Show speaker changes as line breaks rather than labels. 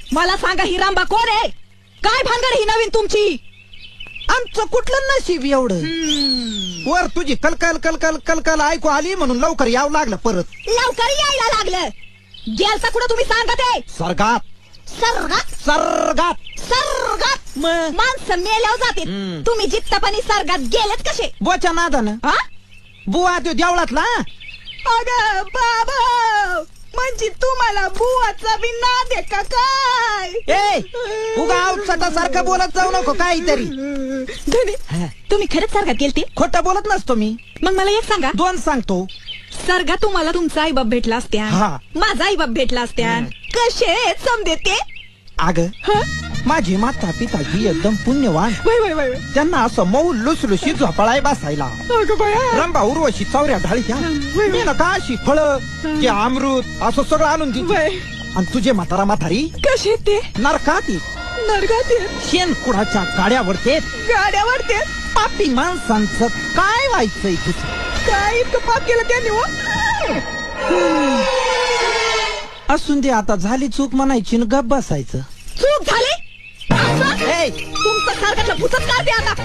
मला सांगा ही रामबा कोण आहे? काय भानगड ही नवीन तुमची?
आमचं कुठलं नशीब एवढं. वर तुझी कलकल कलकल कलकल ऐकू आली म्हणून लवकर यावं लागलं परत.
लवकर यायला लागलं. गेलता कुठं तुम्ही सांगत आहे?
सर्गात
सर्गात
सर्गात
सर्गात माणसं मेल्यावर जाते. तुम्ही जित्तपणी सर्गात गेलेत कसे?
बोच्या नादानं.
हा?
बुवा तो देवळातला.
अगं बाबा, म्हणजे तुम्हाला बुवाचा बी नाद आहे का काय?
ए उगा सारखं बोलत जाऊ नको काहीतरी.
तुम्ही खरंच सर्गात गेलते?
खोटं बोलत नसतो मी.
मग मला एक सांगा,
दोन सांगतो.
सर्गात तुम्हाला तुमचा आईबाप भेटला असत्या,
हा.
माझा आईबाप भेटला असत्या, कसे समजे ते?
अग माझी माता पिता ही एकदम पुण्यवान. त्यांना असं मऊ लुसलुशी झोपाळाय बसायला. रंभा उर्वशी चौऱ्या ढाळीच्या मी ना का अशी फळ ते अमृत असं सगळं आणून दिली. आणि तुझे म्हातारा म्हातारी
कसे ते?
नरकात
नरकात
शेण कुडाच्या गाड्यावरते
गाड्यावरते.
पापी माणसांचं काय व्हायचंय तुझं?
काय इतकं पाप केलं त्यांनी?
असून दे आता, झाली चूक म्हणायची न गप बसायचं.
चूक झाली?
ए
तुमचं सर्गातलं भूतच काढते आता.